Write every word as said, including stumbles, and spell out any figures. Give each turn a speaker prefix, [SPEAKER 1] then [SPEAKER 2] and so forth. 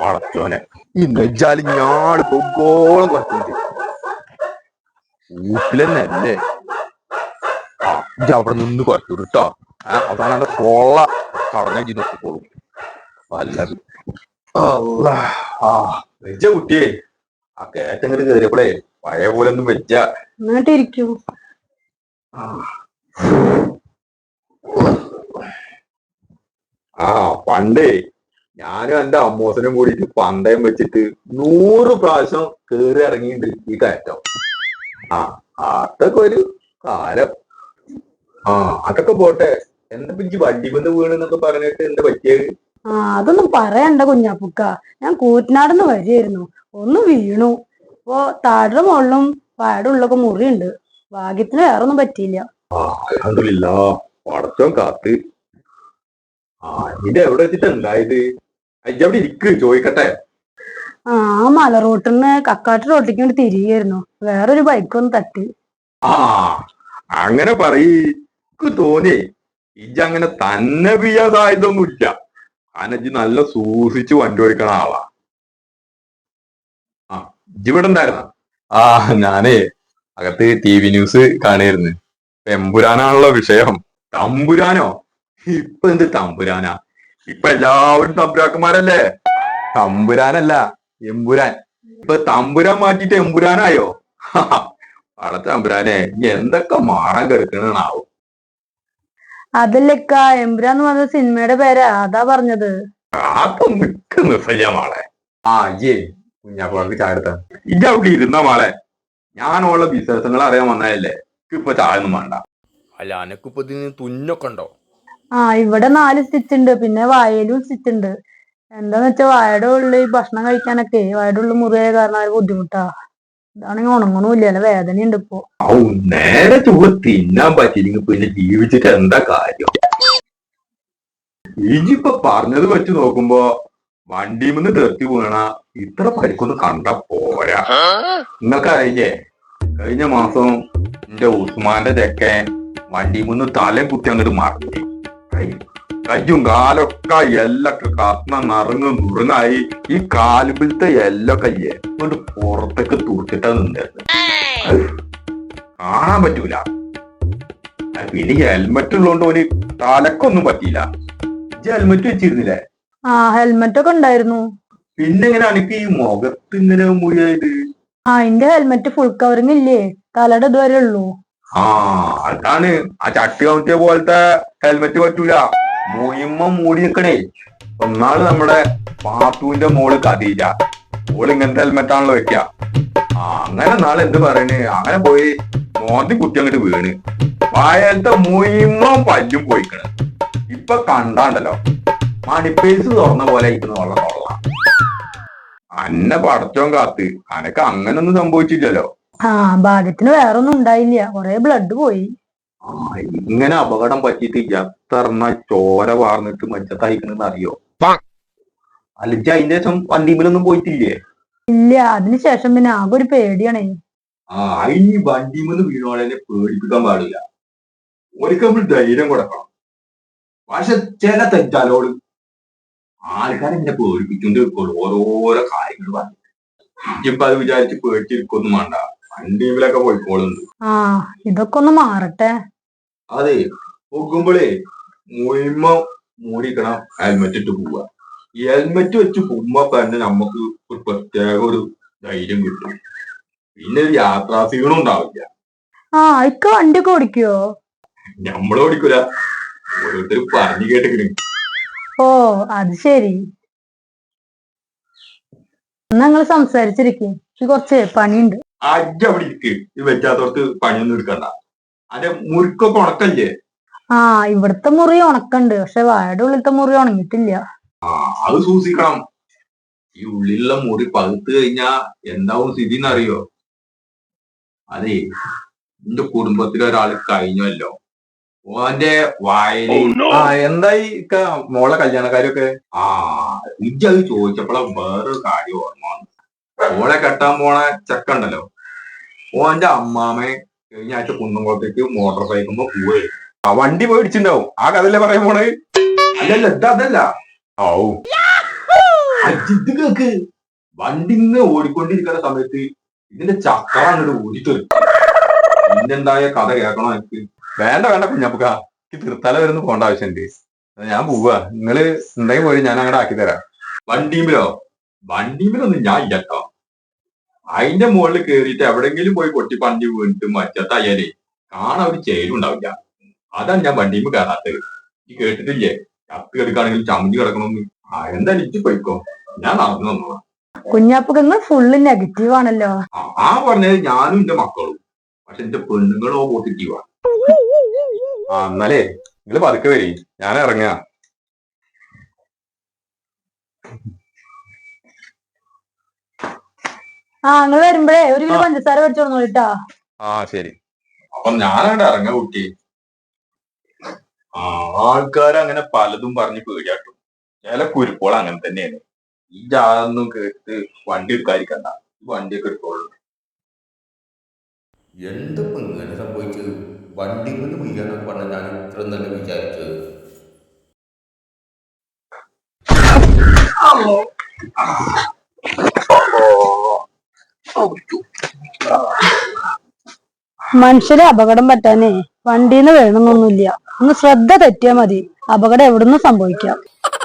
[SPEAKER 1] വളച്ചോനെ ഈ നെജ്ജാല് ഞാട് പൊക്കോളം കുറച്ചുണ്ട് വീട്ടിലെന്നെ അല്ലേ. ആ ഇജ്ജ് അവിടെ നിന്ന് കുറച്ചു കേട്ടോ. അവസാനം കൊള്ള കടഞ്ഞു നോക്കിക്കോളും വല്ലത്. ആ വെച്ച കുട്ടിയെ ആ കേറ്റങ്ങട് കയറിയപ്പോളേ പഴയ പോലെ ഒന്നും വെച്ച
[SPEAKER 2] എന്നിട്ടിരിക്കൂ.
[SPEAKER 1] ആ പണ്ടേ ഞാനും എന്റെ അമ്മോസനും കൂടിയിട്ട് പന്തയം വെച്ചിട്ട് നൂറ് പ്രാവശ്യം കേറി ഇറങ്ങിയിട്ടുണ്ട് ഈ കയറ്റം. ആ അതൊക്കെ ഒരു കാലം. ആ അതൊക്കെ പോട്ടെ. എന്താ പിഞ്ച് വണ്ടി കൊണ്ട് വീണെന്നൊക്കെ പറഞ്ഞിട്ട് എന്താ പറ്റിയത്?
[SPEAKER 2] ആ അതൊന്നും പറയണ്ട കുഞ്ഞാപ്പുക്ക. ഞാൻ കൂറ്റനാടുന്ന് വരികയായിരുന്നു, ഒന്ന് വീണു. അപ്പൊ താഴെ മുകളിലും വായുടെ ഉള്ളൊക്കെ മുറിയുണ്ട്. ഭാഗ്യത്തിന് വേറൊന്നും പറ്റിയില്ല.
[SPEAKER 1] ആ അൽഹംദുലില്ലാ, പടച്ചോൻ കാത്ത്. ആ ഇത് എവിടെ വെച്ചിട്ട് ഉണ്ടായത്? അയ്യവിടെ ഇരിക്ക് ചോദിക്കട്ടെ.
[SPEAKER 2] ആ മല റോട്ടിന്ന് കക്കാട്ട് റോട്ടിക്ക് വേണ്ടി തിരികെയായിരുന്നു, വേറൊരു ബൈക്കൊന്ന് തട്ടി.
[SPEAKER 1] ആ അങ്ങനെ പറയ്ക്ക് തോന്നിയേ ഇജ്ജ് അങ്ങനെ തന്നെ പിയ്യാൻ സാധ്യതൊന്നുമില്ല. കാരണം ഇജ്ജ് നല്ല സൂക്ഷിച്ച് വണ്ടി ഓടിക്കണ ആളാ. ആ ഇജ്ജ് ഇവിടെ ഉണ്ടായിരുന്ന? ആ ഞാനേ അകത്ത് ടി വി ന്യൂസ് കാണായിരുന്നു. എമ്പുരാനാണല്ലോ വിഷയം. തമ്പുരാനോ? ഇപ്പൊ എന്ത് തമ്പുരാനാ? ഇപ്പൊ എല്ലാവരും തമ്പുരാക്കന്മാരല്ലേ. തമ്പുരാനല്ല എമ്പുരാൻ. ഇപ്പൊ തമ്പുരാൻ മാറ്റിട്ട് എമ്പുരാനായോ? വള തമ്പുരാനെ എന്തൊക്കെ മാറാൻ കിടക്കണാവും.
[SPEAKER 2] അതല്ലക്ക, എമ്പുരാന്ന് പറഞ്ഞ സിനിമയുടെ പേരാ, അതാ പറഞ്ഞത്.
[SPEAKER 1] അതൊന്നും മിക്ക നിർത്തല്ല മാളെ. ആ അയ്യേ കുഞ്ഞാപ്പാക്ക് ചാടുത്ത ഇജ്ജ അവിടെ ഇരുന്ന മാളെ. ഞാനുള്ള വിശേഷങ്ങൾ അറിയാൻ വന്നതല്ലേ. ഇപ്പൊ ചായൊന്നും വേണ്ട. അല്ല അനക്കിപ്പോ ഇതിന് തുന്നൊക്കെ ഉണ്ടോ?
[SPEAKER 2] ആ ഇവിടെ നാല് സ്റ്റിച്ച് ഉണ്ട്, പിന്നെ വായയിലും സ്റ്റിച്ച് ഉണ്ട്. എന്താന്ന് വെച്ചാ വായയുടെ ഉള്ളിൽ ഭക്ഷണം കഴിക്കാനൊക്കെ വായയുടെ ഉള്ളിൽ മുറിയായ കാരണം അത് ബുദ്ധിമുട്ടാ. ഇതാണെങ്കിൽ ഉണങ്ങണമില്ല, അല്ല വേദനയുണ്ട് ഇപ്പൊ.
[SPEAKER 1] ഔ നേരെ ചുവ തിന്നാൻ പറ്റിയില്ലെങ്കിൽ പിന്നെ ജീവിച്ചിട്ട് എന്താ കാര്യം? ഇജിപ്പൊ പറഞ്ഞത് വെച്ച് നോക്കുമ്പോ വണ്ടിമെന്ന് തെറ്റി വീണ ഇത്ര പരിക്കൊന്നും കണ്ട പോരാ. നിങ്ങൾക്ക് അറിയില്ലേ, കഴിഞ്ഞ മാസം എന്റെ ഉസ്മാന്റെ ചെക്കൻ വണ്ടിമെന്ന് തലയും കുത്തി അങ്ങോട്ട് മറിഞ്ഞു. കയ്യും കാലൊക്കെ എല്ലൊക്കെ കത്ന നിറങ്ങ് നുറുങ്ങായി. ഈ കാലുപിലത്തെ എല്ലൊക്കെ എങ്ങോട്ട് പുറത്തേക്ക് തുറച്ചിട്ടാ നിന്നത്. കാണാൻ പറ്റൂല. പിന്നെ ഹെൽമെറ്റ് ഉള്ളതുകൊണ്ട് ഒരു തലക്കൊന്നും പറ്റിയില്ല. ഹെൽമെറ്റ് വെച്ചിരുന്നില്ലേ?
[SPEAKER 2] ആ ഹെൽമെറ്റ് ഒക്കെ ഉണ്ടായിരുന്നു.
[SPEAKER 1] പിന്നെ എങ്ങനെ എനിക്ക് ഈ മുഖത്ത് ഇങ്ങനെ മുറിയായത്?
[SPEAKER 2] ആ എന്റെ ഹെൽമെറ്റ് ഫുൾ കവറിങ് ഇല്ലേ, തലയുടെ ഇതുവരെ ഉള്ളൂ.
[SPEAKER 1] ആ അതാണ്. ആ ചട്ടി കമത്തിയ പോലത്തെ ഹെൽമെറ്റ് പറ്റൂല, മുയിമ്മ മൂടി നിക്കണേ. ഒന്നാള് നമ്മുടെ പാത്തുവിന്റെ മോള് കതീജ, ഓള് ഇങ്ങനത്തെ ഹെൽമെറ്റ് ആണല്ലോ വെക്ക. ആ അങ്ങനെ നാളെ എന്ത് പറയണ്, അങ്ങനെ പോയി മോന്തി കുത്തി അങ്ങോട്ട് വീണ് വായലത്തെ മുയിമ്മ പല്ലും പോയിക്കണ്. ഇപ്പൊ കണ്ടാണ്ടല്ലോ മണിപ്പേസ് തുറന്ന പോലെ ഇരിക്കുന്ന വെള്ളം തൊള്ള. അന്നെ പടച്ചോൻ കാത്ത്, അനക്ക് അങ്ങനൊന്നും സംഭവിച്ചില്ലല്ലോ.
[SPEAKER 2] ആ ഭാഗ്യത്തിന് വേറൊന്നും ഉണ്ടായില്ല, കൊറേ ബ്ലഡ് പോയി.
[SPEAKER 1] ആ ഇങ്ങനെ അപകടം പറ്റിയിട്ട് എത്രണ്ണ ചോര വാർന്നിട്ട് മജ്ജത്തായിക്കണെന്ന് അറിയോ? അല്ലിച്ച് അതിന്റെ ശേഷം വണ്ടിമേലൊന്നും പോയിട്ടില്ലേ?
[SPEAKER 2] ഇല്ല, അതിനുശേഷം പിന്നെ ആകെ ഒരു പേടിയാണേ.
[SPEAKER 1] ആ ഇനി വണ്ടിമേന്ന് വീണോളെ പേടിപ്പിക്കാൻ പാടില്ല. ഒരിക്കൽ നമ്മൾ ധൈര്യം കൊടുക്കണം. പക്ഷെ ചില തെറ്റാലോട് ആൾക്കാരെ ഇങ്ങനെ പേടിപ്പിച്ചുകൊണ്ട് ഓരോരോ കാര്യങ്ങൾ പറഞ്ഞു. ഇപ്പൊ അത് വിചാരിച്ച് പേടിച്ചിരിക്കൊന്നും വേണ്ട, വണ്ടിമേലൊക്കെ പോയിക്കോളുണ്ട്.
[SPEAKER 2] ആ ഇതൊക്കെ ഒന്ന് മാറട്ടെ.
[SPEAKER 1] അതെ, പോകുമ്പോഴേ മുയിമ മൂടിക്കണം, ഹെൽമെറ്റ് ഇട്ട് പോവുക. ഈ ഹെൽമെറ്റ് വെച്ച് പോകുമ്പോ തന്നെ നമുക്ക് ഒരു പ്രത്യേക ഒരു ധൈര്യം കിട്ടും. പിന്നെ ഒരു യാത്രാ ക്ഷീണം ഉണ്ടാവില്ല.
[SPEAKER 2] ആ ഇക്ക വണ്ടിയൊക്കെ ഓടിക്കുവോ?
[SPEAKER 1] നമ്മള് ഓടിക്കൂല, ഓരോരുത്തർ പറഞ്ഞു കേട്ടിക്കണ്.
[SPEAKER 2] ഓ അത് ശരി. എന്നാ നിങ്ങള് സംസാരിച്ചിരിക്കും, കുറച്ച് പണിയുണ്ട്.
[SPEAKER 1] അജ്ജ അവിടെ ഇരിക്ക്. ഈ വെച്ചാത്തോർക്ക് പണിയൊന്നും എടുക്കണ്ട. അതിന്റെ മുറുക്കൊക്കെ ഉണക്കല്ലേ?
[SPEAKER 2] ആ ഇവിടുത്തെ മുറി ഉണക്കണ്ട്, പക്ഷെ വായുടെ ഉള്ളിലത്തെ മുറി ഉണങ്ങിയിട്ടില്ല.
[SPEAKER 1] ആ അത് സൂക്ഷിക്കണം. ഈ ഉള്ളിലുള്ള മുറി പകുത്ത് കഴിഞ്ഞാ എന്താവും സ്ഥിതി എന്നറിയോ? അതെ, എന്റെ കുടുംബത്തിലൊരാള് കഴിഞ്ഞല്ലോ, ഓന്റെ വായന. ആ എന്തായി മോളെ കല്യാണക്കാരൊക്കെ? ആ ഇജ്ജ് അത് ചോദിച്ചപ്പോഴാ വേറൊരു കാര്യം ഓർമ്മ വന്നു. മോളെ കെട്ടാൻ പോണ ചെക്കണ്ടല്ലോ, ഓന്റെ അമ്മാമെ കഴിഞ്ഞ ആഴ്ച കുന്നംകുളത്തേക്ക് മോട്ടോർ സൈക്കിളുമ്പോ പോവേ. ആ വണ്ടി മേടിച്ചിണ്ടാവും. ആ കഥല്ലേ പറയാൻ പോണേ? അല്ലല്ല ഇതല്ല. ഓ ഇത് കേക്ക് വണ്ടി ഇങ്ങനെ ഓടിക്കൊണ്ടിരിക്കുന്ന സമയത്ത് ഇതിന്റെ ചക്രം അങ്ങോട്ട് ഓടിത്തെറി. പിന്നെന്തായ കഥ കേൾക്കണോ എനിക്ക്? വേണ്ട വേണ്ട കുഞ്ഞപ്പുക്ക, എനിക്ക് തീർത്താല വരുന്ന പോകേണ്ട ആവശ്യമുണ്ട്. ഞാൻ പോവാ, നിങ്ങള് ഉണ്ടെങ്കിൽ പോയി ഞാൻ അങ്ങോട്ട് ആക്കി തരാം. വണ്ടിയിലോ വണ്ടിയിലൊന്നും ഞാൻ ഇല്ലട്ടോ. അതിന്റെ മുകളിൽ കേറിയിട്ട് എവിടെങ്കിലും പോയി കൊട്ടി പണ്ടി വീണിട്ട് മറ്റത്തായാലേ കാണാൻ ഒരു ചേരുണ്ടാവില്ല. അതാണ് ഞാൻ വണ്ടിയിൽ കയറാത്തത്. ഈ കേട്ടിട്ടില്ലേ ചത്ത് കിടക്കുകയാണെങ്കിൽ ചമ്മി കിടക്കണമെന്ന്? ആ എന്തായാലും ഇജ്ജ് പോയിക്കോ, ഞാൻ നടന്നു വന്നോളാം.
[SPEAKER 2] കുഞ്ഞാപ്പക്ക് നിങ്ങൾ ഫുള്ള് നെഗറ്റീവ് ആണല്ലോ.
[SPEAKER 1] ആ പറഞ്ഞത് ഞാനും എന്റെ മക്കളും, പക്ഷെ എന്റെ പെണ്ണുങ്ങളോ പോസിറ്റീവാ. ആ എന്നാലേ നിങ്ങള് പതുക്കെ വരി, ഞാൻ ഇറങ്ങാ.
[SPEAKER 2] ആ നിങ്ങൾ വരുമ്പോഴേ ഒരു കിലോ പഞ്ചസാര മേടിച്ചോളൂട്ടാ. ആ
[SPEAKER 1] ശരി. അപ്പൊ ഞാനവിടെ ഇറങ്ങാ കുട്ടി. ആ ആൾക്കാരങ്ങനെ പലതും പറഞ്ഞ് പേടിയാട്ടും. ചില കുരുപ്പോൾ അങ്ങനെ തന്നെയാണ്. ഈ ജാതൊന്നും കേട്ട് വണ്ടി എടുക്കാതിരിക്കണ്ട, വണ്ടിയൊക്കെ എടുത്തോളൂ.
[SPEAKER 3] എന്തിപ്പോ ഇങ്ങനെ സംഭവിച്ചത്? വണ്ടി കൊണ്ട് വീഴാന്നൊക്കെ പറഞ്ഞ ഞാൻ ഇത്ര നല്ല വിചാരിച്ചത്.
[SPEAKER 2] മനുഷ്യരെ അപകടം പറ്റാനേ വണ്ടിന്ന് വേണമെന്നൊന്നുമില്ല. ഒന്ന് ശ്രദ്ധ തെറ്റിയാ മതി, അപകടം എവിടുന്ന് സംഭവിക്കാം.